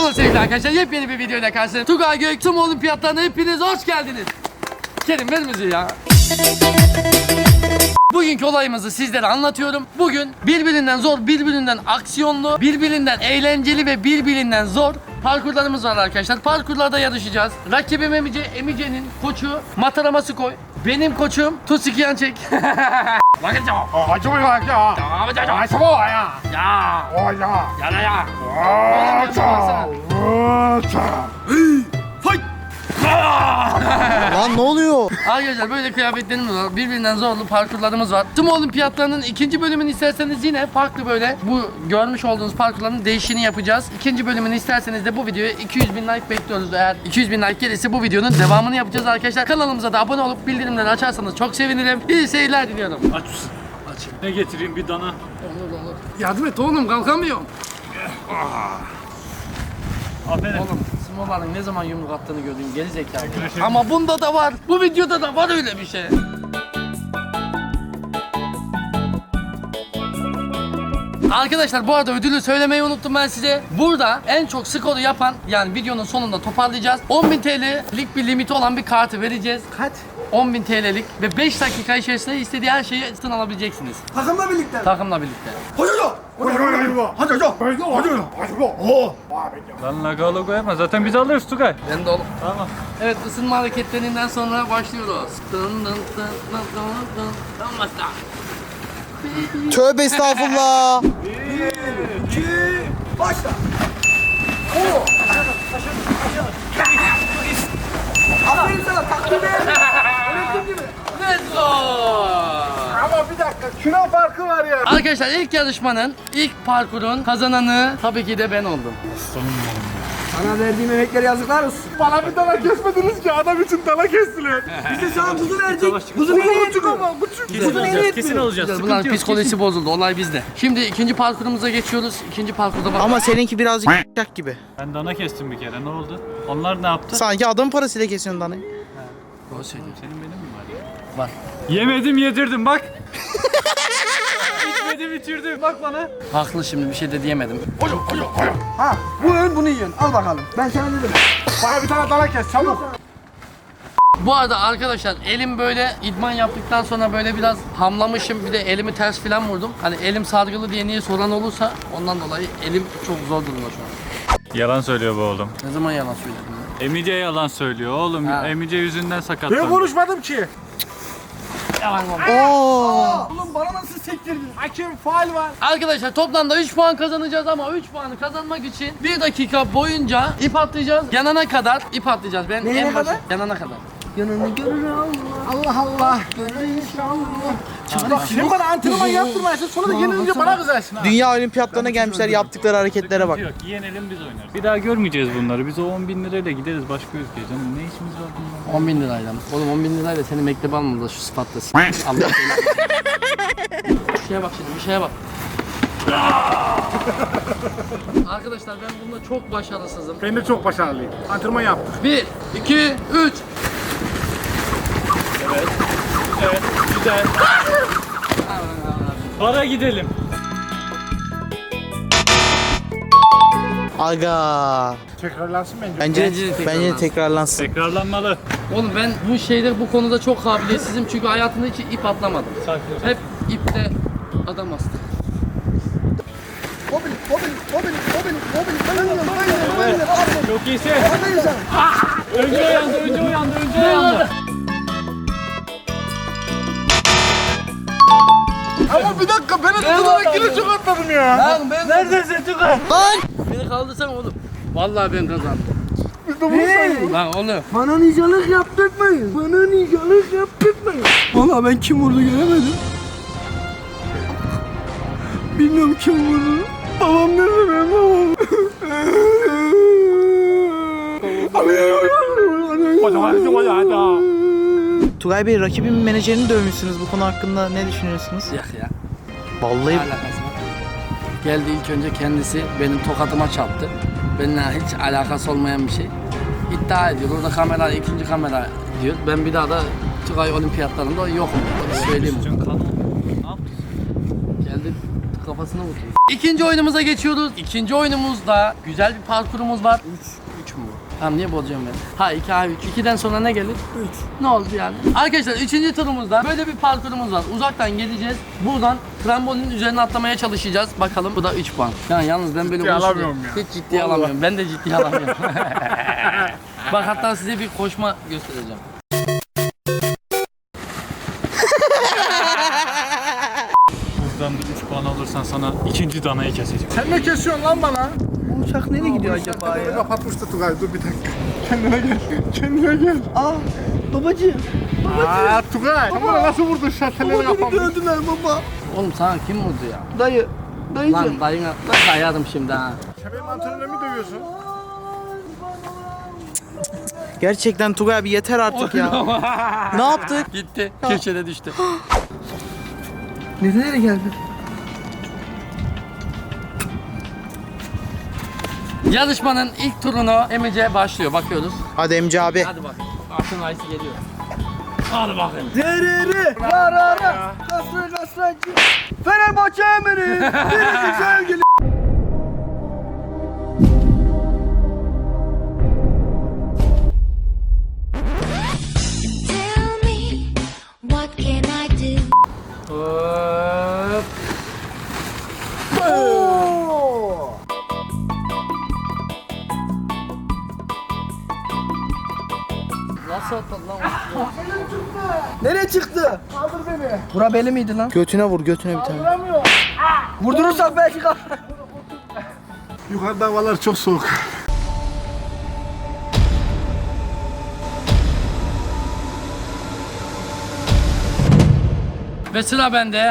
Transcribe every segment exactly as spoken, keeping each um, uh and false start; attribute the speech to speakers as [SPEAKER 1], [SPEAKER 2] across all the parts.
[SPEAKER 1] Merhaba sevgili arkadaşlar, yepyeni bir videoyla karşınızdayım. Tugay Gök tüm olimpiyatlarına hepiniz hoş geldiniz. Kerim ver müziği ya. Bugünkü olayımızı sizlere anlatıyorum. Bugün birbirinden zor, birbirinden aksiyonlu, birbirinden eğlenceli ve birbirinden zor parkurlarımız var arkadaşlar. Parkurlarda yarışacağız. Rakibim Emice, Emice'nin koçu Matarama Skoy. Benim koçum Tusikiyan Çek. Bakın cevap.
[SPEAKER 2] Acaba ya.
[SPEAKER 1] Ya.
[SPEAKER 2] Acaba ya.
[SPEAKER 1] Ya.
[SPEAKER 2] O ya.
[SPEAKER 1] Ya ya.
[SPEAKER 2] Aça. Aça.
[SPEAKER 1] Fight.
[SPEAKER 3] Lan ne oluyor?
[SPEAKER 1] Arkadaşlar böyle kıyafetlerimiz var. Birbirinden zorlu parkurlarımız var. Tüm olimpiyatlarının ikinci bölümünü isterseniz yine farklı böyle bu görmüş olduğunuz parkurların değişini yapacağız. İkinci bölümünü isterseniz de bu videoya iki yüz bin like bekliyoruz. Eğer iki yüz bin like gelirse bu videonun devamını yapacağız arkadaşlar. Kanalımıza da abone olup bildirimleri açarsanız çok sevinirim. İyi seyirler diliyorum.
[SPEAKER 4] Aç mısın? Aç. Ne getireyim, bir dana?
[SPEAKER 1] Olur olur. Yardım et oğlum, kalkamıyorum.
[SPEAKER 4] Aferin.
[SPEAKER 1] Oğlum Smola'nın ne zaman yumruk attığını gördün, geri zekalı. Ama bunda da var. Bu videoda da var öyle bir şey. Arkadaşlar bu arada ödülü söylemeyi unuttum ben size. Burada en çok skoru yapan, yani videonun sonunda toparlayacağız. on bin T L'lik bir limiti olan bir kartı vereceğiz.
[SPEAKER 3] Kaç?
[SPEAKER 1] on bin T L'lik ve beş dakika içerisinde istediği her şeyi satın alabileceksiniz.
[SPEAKER 3] Takımla birlikte.
[SPEAKER 1] Takımla birlikte.
[SPEAKER 2] Hadi hadi. Hadi hadi. Hadi hadi. Hadi. Oh.
[SPEAKER 4] Lan lagalı koyma, zaten biz alırız Tugay.
[SPEAKER 1] Ben de oğlum.
[SPEAKER 4] Tamam.
[SPEAKER 1] Evet, ısınma hareketlerinden sonra başlıyoruz. Dın dın dın dın dın dın. Tamam basta.
[SPEAKER 3] Tövbe estağfurullah.
[SPEAKER 2] Başla.
[SPEAKER 3] Aferin sana takdim et.
[SPEAKER 1] Let's go!
[SPEAKER 2] Ama bir dakika. Şuna farkı var ya.
[SPEAKER 1] Arkadaşlar ilk yarışmanın, ilk parkurun kazananı tabii ki de ben oldum.
[SPEAKER 3] Sana verdiğim emekleri yazıklar olsun.
[SPEAKER 2] Bana bir dana kesmediniz ki, adam için dana kestiler.
[SPEAKER 3] Biz de sana kuzu verdik.
[SPEAKER 4] Savaş çıktı.
[SPEAKER 3] Kuzu beni
[SPEAKER 2] Küçük ama küçük.
[SPEAKER 4] Kesin alacağız, kesin alacağız.
[SPEAKER 1] Bunların
[SPEAKER 4] Sıkıntı yok.
[SPEAKER 1] psikolojisi bozuldu, olay bizde. Şimdi ikinci parkurumuza geçiyoruz. İkinci parkurda bak.
[SPEAKER 3] Ama seninki birazcık yak gibi.
[SPEAKER 4] Ben dana kestim bir kere, ne oldu? Onlar ne yaptı?
[SPEAKER 3] Sanki adam parasıyla kesiyorsun danayı.
[SPEAKER 1] Doğru söylüyorsun.
[SPEAKER 4] Senin benim mi var ya?
[SPEAKER 1] Var.
[SPEAKER 4] Yemedim yedirdim bak. İçmedim içirdim, bak bana.
[SPEAKER 1] Haklı, şimdi bir şey de diyemedim.
[SPEAKER 3] Ha bu ön bunu yiyorsun. Al bakalım. Ben sana dedim.
[SPEAKER 2] Bana bir tane dana kes çabuk.
[SPEAKER 1] Bu arada arkadaşlar elim böyle idman yaptıktan sonra böyle biraz hamlamışım. Bir de elimi ters filan vurdum. Hani elim sargılı diye niye soran olursa ondan dolayı elim çok zor durumda şu an.
[SPEAKER 4] Yalan söylüyor bu oğlum.
[SPEAKER 1] Ne zaman yalan söyledim ya?
[SPEAKER 4] Emice yalan söylüyor oğlum.
[SPEAKER 1] Ha.
[SPEAKER 4] Emice yüzünden
[SPEAKER 2] Ben
[SPEAKER 4] sakatlandı.
[SPEAKER 2] konuşmadım ki.
[SPEAKER 1] Yalan oldu.
[SPEAKER 3] Oo.
[SPEAKER 2] Oğlum bana nasıl sektirdin? Hakem faul var.
[SPEAKER 1] Arkadaşlar toplamda üç puan kazanacağız ama üç puanı kazanmak için bir dakika boyunca ip atlayacağız. Yanana kadar ip atlayacağız. Ben
[SPEAKER 3] Neye
[SPEAKER 1] en başı-
[SPEAKER 3] kadar?
[SPEAKER 1] yanana kadar.
[SPEAKER 3] Yanını görür Allah. Allah Allah. Görür inşallah.
[SPEAKER 2] Bak sen bana antrenman yaptırmayasın, sonra da yenilince bana kızarsın ha.
[SPEAKER 3] Dünya olimpiyatlarına gelmişler, yaptıkları hareketlere bak.
[SPEAKER 4] Yok, yenelim biz oynarız. Bir daha görmeyeceğiz bunları. Biz o on bin lirayla gideriz başka ülkeye canım. Ne işimiz var bunlarla?
[SPEAKER 1] on bin lirayla mı? Oğlum on bin lirayla seni mektebe almadılar şu sıfatla. Allah Bir şeye bak şimdi, bir şeye bak. Arkadaşlar ben bunda çok başarısızım.
[SPEAKER 2] Ben de çok başarılıyım. Antrenman yaptık.
[SPEAKER 1] Bir, iki, üç.
[SPEAKER 4] Evet, güzel. Bara gidelim.
[SPEAKER 3] Aga.
[SPEAKER 2] Tekrarlansın bence.
[SPEAKER 3] Bence
[SPEAKER 1] Bence de
[SPEAKER 3] de,
[SPEAKER 1] tekrarlansın.
[SPEAKER 3] bence de tekrarlansın.
[SPEAKER 4] Tekrarlanmalı.
[SPEAKER 1] Oğlum ben bu şeyde bu konuda çok kabiliyetsizim çünkü hayatımda hiç ip atlamadım.
[SPEAKER 4] Sakin ol.
[SPEAKER 1] Hep ipte adam astı.
[SPEAKER 3] Mobil, mobil, mobil, mobil, mobil. Bayılın, bayılın, bayılın.
[SPEAKER 4] Çok iyisin.
[SPEAKER 3] Bayılın sen.
[SPEAKER 4] Önce o yandı, önce o yandı, önce o yandı.
[SPEAKER 2] Ama bir dakika, beni tutarak yine çok atladım ya.
[SPEAKER 1] Lan ben
[SPEAKER 4] Neredesin Tugay?
[SPEAKER 3] Lan.
[SPEAKER 1] beni kaldırsana oğlum. Vallahi ben kazandım.
[SPEAKER 2] Biz de bunu sayıyoruz.
[SPEAKER 1] Lan oğlum.
[SPEAKER 3] Bana nicalık yaptırtmayın. Bana nicalık yaptırtmayın. Valla ben kim vurdu göremedim. Bilmiyorum kim vurdu. Babam nerede benim babam? Tugay Bey, rakibin menajerini dövmüşsünüz. Bu konu hakkında ne düşünüyorsunuz?
[SPEAKER 1] Yak ya.
[SPEAKER 3] Vallahi
[SPEAKER 1] Ne alakası var? Geldi ilk önce kendisi benim tokatıma çarptı. Benimle hiç alakası olmayan bir şey. İddia ediyor. Orada kamera, ikinci kamera diyor. Ben bir daha da Tugay olimpiyatlarında yokum. Onu söyleyeyim.
[SPEAKER 4] Üstün kan oldu. Ne yaptın?
[SPEAKER 1] Geldi kafamı kafasına vurdu. İkinci oyunumuza geçiyoruz. İkinci oyunumuzda güzel bir parkurumuz var. üç üç mü? Tamam niye bozuyorum ben? Ha iki ha üç. ikiden sonra ne gelir? üç. Ne oldu yani? Arkadaşlar üçüncü turumuzda böyle bir parkurumuz var. Uzaktan geleceğiz. Buradan trambolinin üzerine atlamaya çalışacağız. Bakalım bu da üç puan. Yani yalnız ben böyle
[SPEAKER 2] Ciddiye
[SPEAKER 1] konuşuyorum.
[SPEAKER 2] alamıyorum ya.
[SPEAKER 1] Hiç ciddiye alamıyorum. Ben de ciddiye alamıyorum. Bak hatta size bir koşma göstereceğim.
[SPEAKER 4] Buradan da üç puan alırsan sana ikinci danayı keseceğim.
[SPEAKER 2] Sen ne kesiyorsun lan bana?
[SPEAKER 3] Bu uçak nereye gidiyor acaba
[SPEAKER 2] Kapıyı
[SPEAKER 3] ya?
[SPEAKER 2] kapatmıştı Tugay, dur bir dakika. Kendine gel, kendine gel.
[SPEAKER 3] Aa babacığım.
[SPEAKER 2] Aa Tugay, sen bana nasıl vurdun şartelleri
[SPEAKER 3] Baba beni
[SPEAKER 2] kapanmış?
[SPEAKER 3] gördüler baba.
[SPEAKER 1] Oğlum sana kim vurdu ya?
[SPEAKER 3] Dayı. Dayıcım.
[SPEAKER 1] Lan dayına nasıl ayarım şimdi ha?
[SPEAKER 2] Sen benim antrenörümü dövüyorsun.
[SPEAKER 5] Gerçekten Tugay abi yeter artık ya. Ne yaptık?
[SPEAKER 1] Gitti. Köşede düştü.
[SPEAKER 3] Nereye geldi?
[SPEAKER 1] Yarışmanın ilk turunu Emice başlıyor. Bakıyoruz.
[SPEAKER 5] Hadi Emci abi.
[SPEAKER 1] Hadi bak. Altın ayısı geliyor. Hadi bakayım.
[SPEAKER 3] Dereri. Yarara. Kasrı kasracı. Fenerbahçe emiri. Biricik sevgili.
[SPEAKER 6] Tell me, what can I do?
[SPEAKER 1] Hop. Nasıl atladın lan?
[SPEAKER 3] Nereye çıktı? Kaldır beni. Bura beli miydi lan?
[SPEAKER 5] Götüne vur götüne bir tane.
[SPEAKER 3] Vurdurursak belki kalk.
[SPEAKER 2] Yukarıda havalar çok soğuk.
[SPEAKER 1] Ve sıra bende.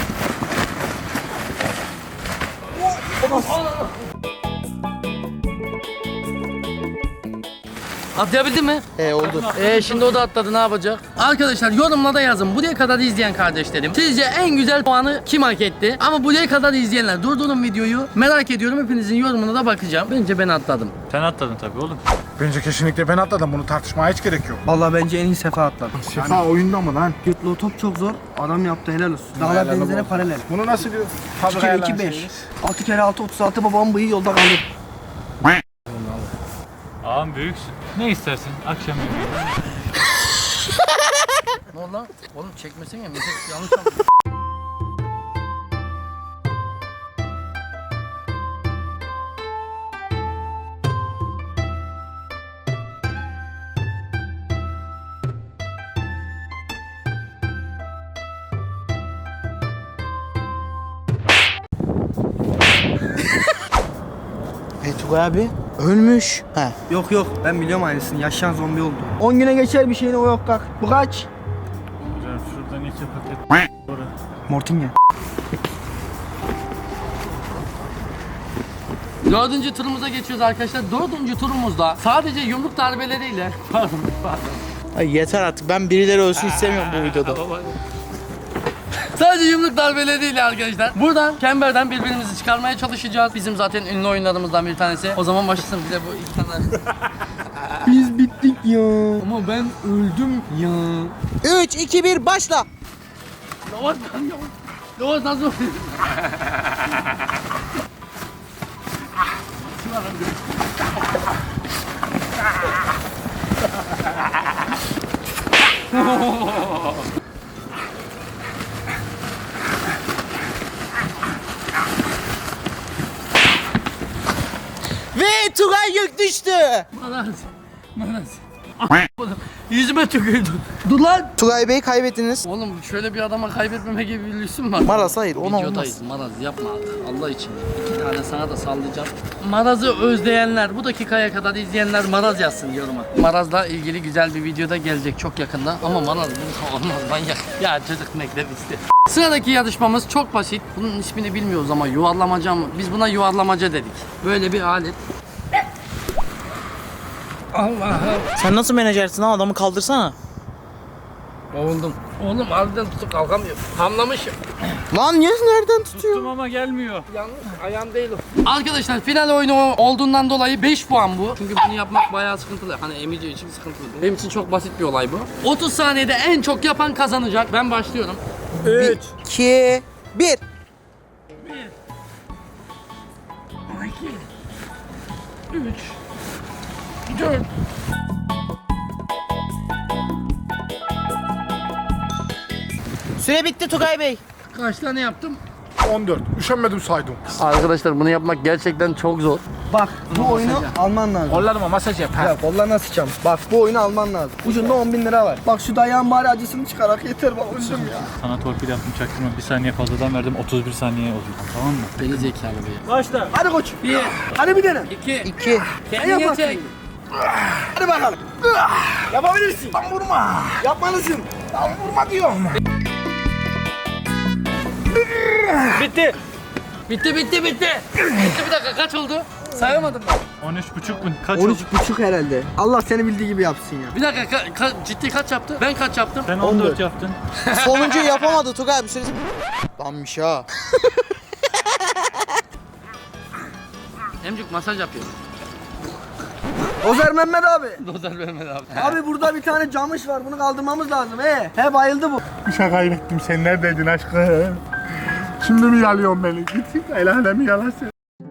[SPEAKER 1] Atlayabildin mi?
[SPEAKER 5] He oldu.
[SPEAKER 1] Ee şimdi o da atladı, ne yapacak? Arkadaşlar yorumlara yazın. Buraya kadar izleyen kardeşlerim, sizce en güzel puanı kim hak etti? Ama buraya kadar izleyenler, durdurun videoyu. Merak ediyorum, hepinizin yorumuna da bakacağım. Bence ben atladım.
[SPEAKER 4] Sen atladın tabii oğlum.
[SPEAKER 2] Bence kesinlikle ben atladım, bunu tartışmaya hiç gerek yok.
[SPEAKER 3] Vallahi bence en iyi sefa atladı.
[SPEAKER 2] Sefa oyunda mı lan?
[SPEAKER 3] Götlü top çok zor. Adam yaptı helal olsun. Dağlar
[SPEAKER 2] Helal
[SPEAKER 3] denizlere
[SPEAKER 2] olsun.
[SPEAKER 3] paralel.
[SPEAKER 2] Bunu nasıl diyor?
[SPEAKER 3] iki kere iki beş. altı kere altı otuz altı babamın bıyığı yolda kalır.
[SPEAKER 4] Ağam büyüksün. Ne istersin? Akşam yemeği.
[SPEAKER 1] Ne oldu lan? Oğlum çekmesin ya. Mesaj yanlış oldu.
[SPEAKER 5] E Tugay abi ölmüş. He.
[SPEAKER 3] Yok yok ben biliyorum aynısını. Yaşayan zombi oldu. on güne geçer bir şeyine o yok kalk. Bu kaç?
[SPEAKER 4] Hocam şuradan iki paket.
[SPEAKER 3] Mortinya.
[SPEAKER 1] Dördüncü turumuza geçiyoruz arkadaşlar. Dördüncü turumuzda sadece yumruk darbeleriyle pardon pardon.
[SPEAKER 5] Ay yeter artık ben birileri ölsün istemiyorum bu videoda.
[SPEAKER 1] Sadece yumruk darbeleriyle arkadaşlar. Buradan Kember'den birbirimizi çıkarmaya çalışacağız. Bizim zaten ünlü oyunlarımızdan bir tanesi. O zaman başlasın bize bu iki tane.
[SPEAKER 3] Biz bittik ya.
[SPEAKER 1] Ama ben öldüm ya.
[SPEAKER 5] üç iki bir başla.
[SPEAKER 1] Yavaş lan yavaş. Yavaş nasıl oluyor?
[SPEAKER 5] Ve Tugay yük düştü.
[SPEAKER 1] Maraz. Maraz. Oğlum, yüzüme tükürdü. Dur lan.
[SPEAKER 5] Tugay Bey'i kaybettiniz.
[SPEAKER 1] Oğlum şöyle bir adama kaybetmeme gibi bir lüksüm var.
[SPEAKER 5] Maraz hayır ona
[SPEAKER 1] Videodayız.
[SPEAKER 5] olmaz.
[SPEAKER 1] Maraz yapma artık Allah için. İki tane sana da sallayacağım. Maraz'ı özleyenler, bu dakikaya kadar izleyenler Maraz yazsın yoruma. Maraz'la ilgili güzel bir videoda gelecek çok yakında. Ama Maraz bu olmaz manyak. Ya çocuk mektep isti. Sıradaki yarışmamız çok basit. Bunun ismini bilmiyoruz ama yuvarlamaca mı? Biz buna yuvarlamaca dedik. Böyle bir alet. Allah'ım.
[SPEAKER 5] Sen nasıl menajersin lan adamı kaldırsana.
[SPEAKER 1] Oğlum. Oğlum harbiden tutup kalkamıyorum. Hamlamışım.
[SPEAKER 5] Lan niye nereden tutuyor?
[SPEAKER 4] Tuttum ama gelmiyor.
[SPEAKER 1] Yanlış ayağım değil o. Arkadaşlar final oyunu olduğundan dolayı beş puan bu. Çünkü bunu yapmak bayağı sıkıntılı. Hani Emice için sıkıntılı. Benim için çok basit bir olay bu. otuz saniyede en çok yapan kazanacak. Ben başlıyorum.
[SPEAKER 5] üç iki bir.
[SPEAKER 1] bir üç, dört.
[SPEAKER 5] Süre bitti Tugay Bey.
[SPEAKER 1] Kaç tane yaptım?
[SPEAKER 2] on dört. Üşenmedim saydım.
[SPEAKER 1] Arkadaşlar bunu yapmak gerçekten çok zor.
[SPEAKER 3] Bak bu oyunu alman lazım.
[SPEAKER 2] Kollarıma masaj yap.
[SPEAKER 3] Ya kollarına sıçacağım. Bak bu oyunu alman lazım. Ucunda on bin lira var. Bak şu dayağın bari acısını çıkarak yeter bak öldüm ya.
[SPEAKER 4] Sana torpil yaptım çaktırma. Bir saniye fazladan verdim. otuz bir saniye oldu. Tamam mı?
[SPEAKER 1] Deli zekalı bir.
[SPEAKER 3] Başla. Hadi koç.
[SPEAKER 1] Bir,
[SPEAKER 3] Hadi bir dene.
[SPEAKER 1] iki,
[SPEAKER 5] İki.
[SPEAKER 1] kendine
[SPEAKER 3] yaparsın.
[SPEAKER 1] çek.
[SPEAKER 3] Hadi bakalım. Yapabilirsin. Tam vurma. Yapmalısın. Tam vurma diyorum.
[SPEAKER 1] Bitti. Bitti, bitti, bitti. Bitti bir dakika kaç oldu? Sayamadım ben.
[SPEAKER 4] on üç buçuk mu? Kaç
[SPEAKER 3] on
[SPEAKER 4] oldu?
[SPEAKER 3] üç buçuk herhalde. Allah seni bildiği gibi yapsın ya.
[SPEAKER 1] Bir dakika ka- ka- ciddi kaç yaptı? Ben kaç yaptım?
[SPEAKER 4] Sen on dört yaptın.
[SPEAKER 5] Sonuncuyu yapamadı Tugay abi süresi. Lanmış ha.
[SPEAKER 1] Emcik masaj yapıyor.
[SPEAKER 3] Ozer Mehmet abi.
[SPEAKER 1] Dozer vermedi abi.
[SPEAKER 3] Abi burada bir tane camış var. Bunu kaldırmamız lazım. He. He bayıldı bu.
[SPEAKER 2] Bir şey kaybettim. Sen neredeydin aşkım? Şimdi mi yalıyorsun beni? Git el alemi yalasın.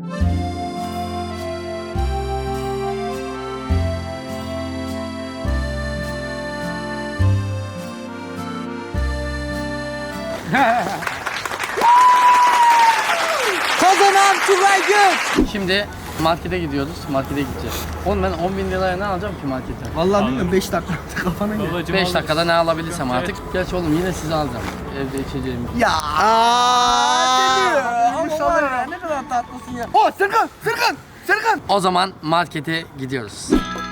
[SPEAKER 5] Kazanan Tugay Gök.
[SPEAKER 1] Şimdi markete gidiyoruz. Markete gideceğiz. Oğlum ben on bin liraya ne alacağım ki markete?
[SPEAKER 3] Vallahi bilmiyorum beş dakika kafana gel.
[SPEAKER 4] Babacım
[SPEAKER 1] beş
[SPEAKER 4] al.
[SPEAKER 1] dakikada ne alabilirsem artık. Gerçi oğlum yine sizi alacağım. Evde içeceğim.
[SPEAKER 3] Ya.
[SPEAKER 5] Aa,
[SPEAKER 3] Ama var ya, ne kadar tatlısın ya. Oh Serkan, Serkan, Serkan.
[SPEAKER 1] O zaman markete gidiyoruz.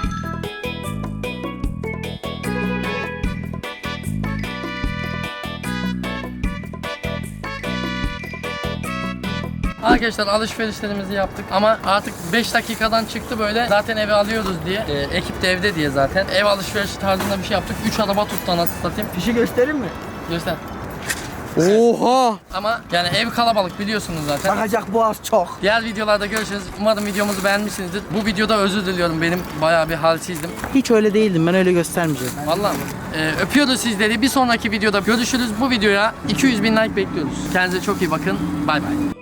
[SPEAKER 1] Arkadaşlar alışverişlerimizi yaptık ama artık beş dakikadan çıktı böyle zaten eve alıyoruz diye e, ekip de evde diye zaten ev alışverişi tarzında bir şey yaptık. üç araba tuttu anasını satayım.
[SPEAKER 3] Fişi göstereyim mi?
[SPEAKER 1] Göster.
[SPEAKER 5] Oha.
[SPEAKER 1] Ama yani ev kalabalık biliyorsunuz zaten.
[SPEAKER 3] Bakacak boğaz çok.
[SPEAKER 1] Diğer videolarda görüşürüz. Umarım videomuzu beğenmişsinizdir. Bu videoda özür diliyorum, benim bayağı bir halsizdim.
[SPEAKER 5] Hiç öyle değildim, ben öyle göstermeyeceğim.
[SPEAKER 1] Vallahi e, öpüyoruz sizleri. Bir sonraki videoda görüşürüz. Bu videoya iki yüz bin like bekliyoruz. Kendinize çok iyi bakın. Bay bay.